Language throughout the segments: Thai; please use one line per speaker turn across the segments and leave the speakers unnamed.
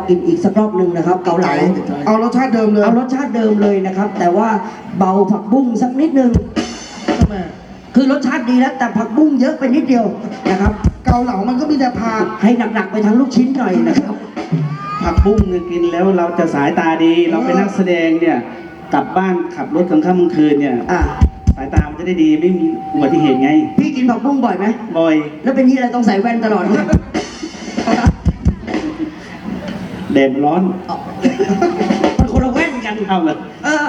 กินอีกสักรอบหนึ่งนะครับเกาเหลา
เอารสชาติเดิมเลย
เอารสชาติเดิมเลยนะครับแต่ว่าเบาผักบุ้งสักนิดนึง
ทำไม
คือรสชาติดีแล้วแต่ผักบุ้งเยอะไปนิดเดียวนะครับ
เกาเหลามันก็มีแต่ผัก
ให้หนักๆไปทั้งลูกชิ้นหน่อยนะครับ
ผักบุ้งเนี่ยกินแล้วเราจะสายตาดี เราเป็นนักแสดงเนี่ยกลับบ้านขับรถกลางค่ำกลางคืนเนี่ย
อ่ะ
สายตามันจะได้ดีไม่มีอุบัติเหตุไง
พี่กินผักบุ้งบ่อยไหม
บ่อย
แล้วเป็นที่อะไรต้องใส่แว่นตลอดเลย
แดดมันร้อน
มันคนละแว่นกัน
เอาเลย
เออ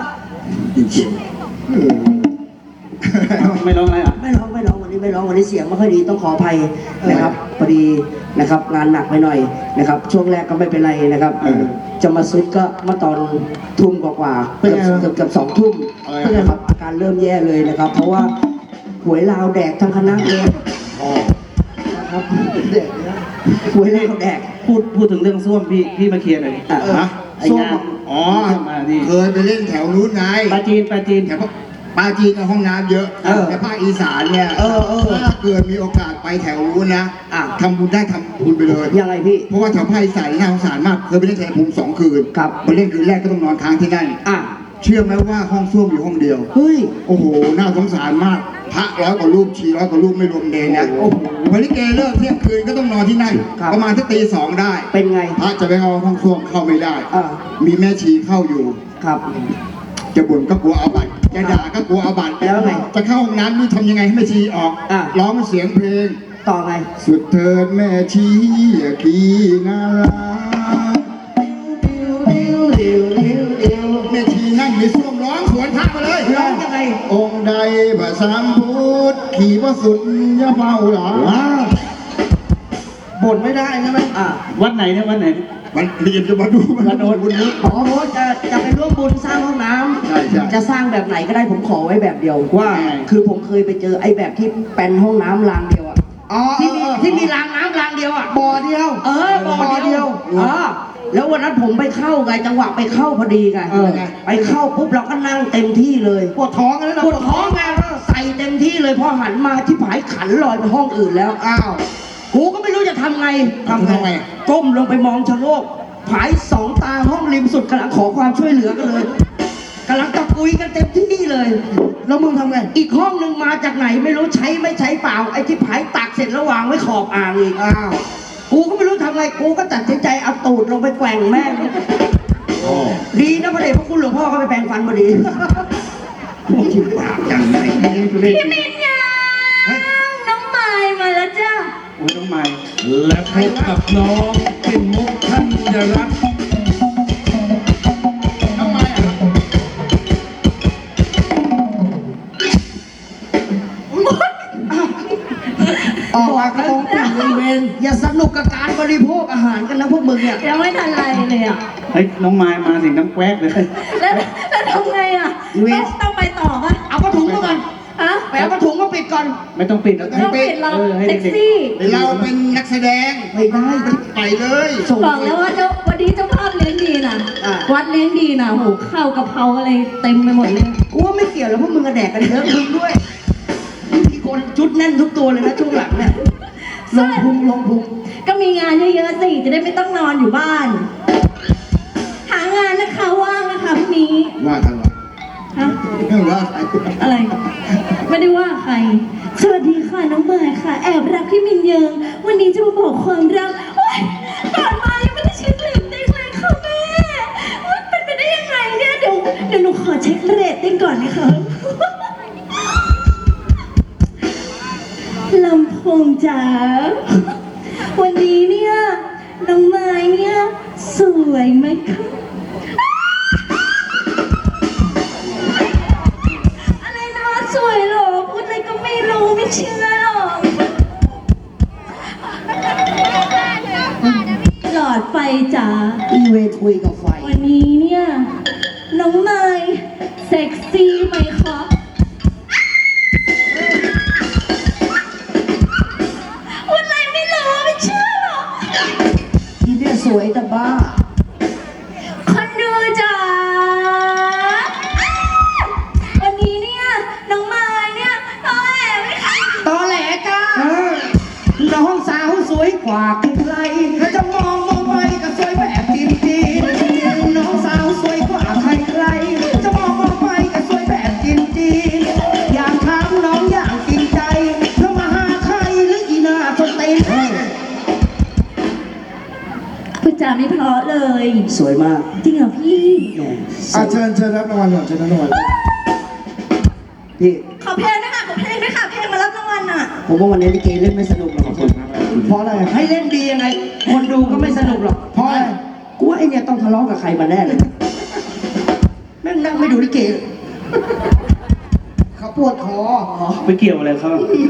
ไม่ร้องอะไรอ่ะ
ไม่ร้องวันนี้ไม่ร้องวันนี้เสียงไม่ค่อยดีต้องขออภัยนะครับพอดีนะครับงานหนักไปหน่อยนะครับช่วงแรกก็ไม่เป็นไรนะครับจะมาซุดก็เมื่อตอนทุ่มกว่าๆเกือบ2 ทุ่มนะครับอาการเริ่มแย่เลยนะครับ เพราะว่าหวยลาวแดกทั้งคณะเลยนะครับหวยลาวแดก
พูดถึงเรื่องส้วมพี่มาเคลียร์หน่อยดิ
อ่ะ
ไอ้งาน
อ๋อ
มานี่
เคยไปเล่นแถวนู้นไง
ปลาจีน
แถวปาจีนห้องน้ำเยอะแต่ภาคอีสานเนี่ยถ้าเกิดมีโอกาสไปแถวนู้นนะทำบุญได้ทำบุญไปเลย
ยังไงพี่
เพราะว่าแถวภาคอีสานน่าสงสารมากเคยไปเล่นแถวภูมิ2 คืน
ครับ
มาเล่นคืนแรกก็ต้องนอนค้างที่นั่น
อ่ะ
เชื่อไหมว่าห้องส้วมอยู่ห้องเดียว
เฮ้ย
โอ้โห น่าสงสารมาก พระ100 กว่ารูปชี100 กว่ารูปไม่รวมเดนนะ
โอ้โห
วันนี้เกเลิกเที่ยงคืนก็ต้องนอนที่นั่น
ครับ
ประมาณที่ตี 2ได้
เป็นไง
พระจะไปเอาห้องส้วมเข้าไม่ได้
อ่า
มีแม่ชีเข้าอยู่
ครับ
จะบ่นก็กลัวเอาบัตรจะด่าก็กลัวเอาบัตร
แล้วไง
จะเข้าห้องน้ำนี่ทำยังไงให้แม่ชีออก
อ่ะ
ร้องเสียงเพลง
ต่อไง
สุดเถิดแม่ชีกีนาราแม่ชีนั่งในส้วมร้องสวนพระมาเลย
ร้องยังไง
องค์ใดบะสามพุทธขี่พระสุนยะเฝ้าหลาบ่นไม่ได้ใช่ไหม
อ่ะ
วัดไหนเนี่ยวัดไหน
มันเรียนจะมาดูมันโดนบุญนี้
อ๋อเพราะว่าจะไปร่วมบุญสร้างห้องน้ำ
ใช่ใช่
จะสร้างแบบไหนก็ได้ผมขอไว้แบบเดียว
ว่าไง
คือผมเคยไปเจอไอ้แบบที่เป็นห้องน้ำรางเดียวอะ
อ๋อ
ที่มีรางน้ำรางเดียวอะ
บ่อเดียว
บ่อเดียวแล้ววันนั้นผมไปเข้าไงจังหวะไปเข้าพอดีไง ไปเข้าปุ๊บเราก็นั่งเต็มที่เลย
ปวดท้องแล้วนะ
ปวดท้องไงใส่เต็มที่เลยพอหันมาที่ผายขันลอยไปห้องอื่นแล้ว
อ้าว
กูก็ไม่รู้จะทำไง
ทำไง
ก้มลงไปมองชะโงกผาย2 ตาห้องริมสุดกำลังขอความช่วยเหลือกันเลยกำลังตะกุยกันเต็มที่เลย
แล้วมึงทำไง
อีกห้องหนึ่งมาจากไหนไม่รู้ใช้ไม่ใช้เปล่าไอ้ที่ผายตักเสร็จแล้ววางไว้ขอบอ่างอีก
อ้าว
กูก็ไม่รู้ทำไงกูก็ตัดสินใจเอาตูดลงไปแกว่งแม่งดีนะพระเดชพระคุณหลวงพ่อก็ไปแปรงฟันพอดี
ที่ปากอย่างไร
พี่มินยังน้องไม้มาแล้วจ้า
โอ้ยต้องใหม่
และพบกับน้องปิ่นมุกธัญรัตน์
ทำไมอ่ะ
ออกมากระโปรงปิดเลยเวนอย่าสนุกกับการบริโภคอาหารกันนะพวกมึงเนี่ย
ยังไม่ทันไรเลยอ่ะ
เฮ้ยน้องไม้มาถึงน้ำแควกเลย
แล้วทำไงอ่ะต้องไปต่อปะ
เอาผ้าถุงมาก่อน
ฮะ
ไปเอาผ้าถุงมาปิดก่อน
ไม่ต้องปิดแล้ว
ต้องปิดเรา
ให้
แท็ก
เด็ก
ซี่
เราเป็นนักแสดง
ไม่ได้
ไปเลย
ส่ง
บอกแล้วว่าวันนี้เจ้าภาพเลี้ยงดีนะวัดเลี้ยงดีนะโหข้าวกะเพราอะไรเต็มไปหมดเลย
กูว่าไม่เกี่ยวแล้วพวกมึงกระแดกกันเยอะมึงด้วยมีคนชุดแน่นทุกตัวเลยนะช่วงหลังเนี่ยลงพุง
ก็มีงานเยอะๆสิจะได้ไม่ต้องนอนอยู่บ้าน หางานนะคะว่างนะคะพรุ่งนี้
ว่ากันวะ
ฮะ
ว่า
อะไร ไม่ได้ว่าใคร สวัสดีค่ะน้องเมย์ค่ะ แอบรักพี่มินเยิง วันนี้จะมาบอกความรักโอ๊ยก่อนมายังไม่ได้เช็คเรตติ้งเลยค่ะแม่โอ๊ยเป็นไปได้ยังไงเนี่ยเดี๋ยวหนูขอเช็คเรตติ้งก่อนนะคะลำโพงจ๋าวันนี้เนี่ยน้องไม้เนี่ยสวยไหมคะอะไรนะสวยเหรอพูดอะไรก็ไม่รู้ไม่เชื่อหรอกหลอดไฟจ๋า
อีเวคุยกับไฟ
วันนี้เนี่ยน้องไม้เซ็กซี่ไหมคะพูดอะไรไม่รู้ไม่เชื่อหรอก
ที่เนี่ยสวยแต่บ้า
คนดูจ๋าวันนี้เนี่ยน้องไม้เนี่ยตอแหลไหมคะ
ตอแหลจ้าน้องสาวสวยกว่าใครถ้าจะมองไปก็สวยแบบจริง
จาไม่เพราะเลย
สวยมาก
จริงเหรอพี่
แหม
เชิญรับรางวัลก่อนเชิญรับรางวัล
พี่
ขอเพลงด้วยค่ะขอเพลงด้วยค่ะเพลงมารับรางวัลอ่ะ
ผมว่าวันนี้ลิเกเล่นไม่สนุกหรอก
เพราะอะไร
ให้เล่นดียังไง คนดูก็ไม่สนุกหรอก
เพราะอะไร
กูว่าไอเนี่ยต้องทะเลาะกับใครมาแน่เลยแม่งนั่งไม่ดูลิเก
เขาปวดคอ
ไปเกี่ยวอะไรเขา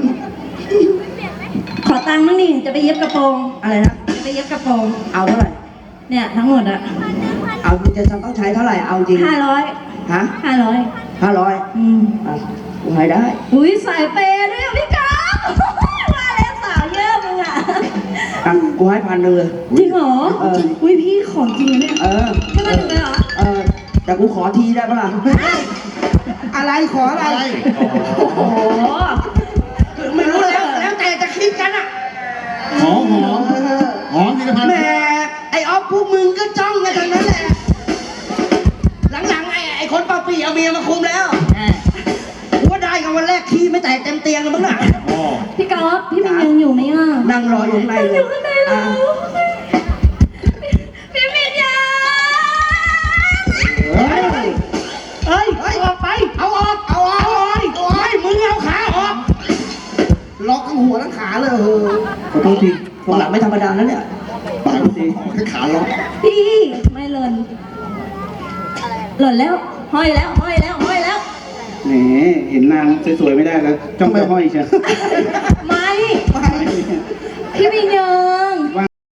ขอตังค์มั่งนี่จะไปเย็บกระโปรง
อะไรนะ
จะไปเย็บกระโปรง
เอาเท่าไหร่
เนี่ยทั้งหมดอ่ะ
เอาจะต้องใช้เท่าไหร่ เอาจริง
500
ฮะ
500
500
อืม
อ่ะกูให้ได้
อุ้ยสายเปย์ด้วยอ่ะพี่ก๊อฟว่าแล้วสาวเยอะมึงอ่ะ
อ่ะกูให้1,000เลย
จริงเหรอ
เออ
อุ้ยพี่ของจริงนะเนี่ย
เออ
ให้มาถึงเลยเหรอ
เออ แต่กูขอทีได้ปะล่ะ อะไรขออะไร
โอ้โห
ไม่รู้แล้วแต่จะคิดกันอ่ะ
หอมธีรพันธ์
แหมไอ้ออฟพวกมึงก็จ้องกันทั้งนั้นแหละ หลังๆไอ้คนเป่าปีเอาเมียมาคุมแล้วกูว่าได้กันวันแรกขี้ไม่แตกเต็มเตียงกันมั้งน่ะ
พี่ก๊อฟพี่มินยังอยู่ไหมอ่ะ
นั่งรออยู่ข้างในเลย
อยู่ข้างในแล้
อ่ะ
วพี่มินยัง
เฮ้ย
เฮ้ยออกไป เอาออกไม่มึงเอาขาออก
ล็อกทั้งหัวทั้งขาเลย
ขอโทษทีพวกหลังไม่ธรรมดาแล้วเนี่ย
ปากทีแค่ขาล็อก
พี่ไม่หล่นหล่นแล้วห้อยแล้วห้อยแล้วห้อยแล้ว
แหมเห็นนางสวยๆไม่ได้แล้วจ้องไปห้อยเชียว
ไม่พี่มินยัง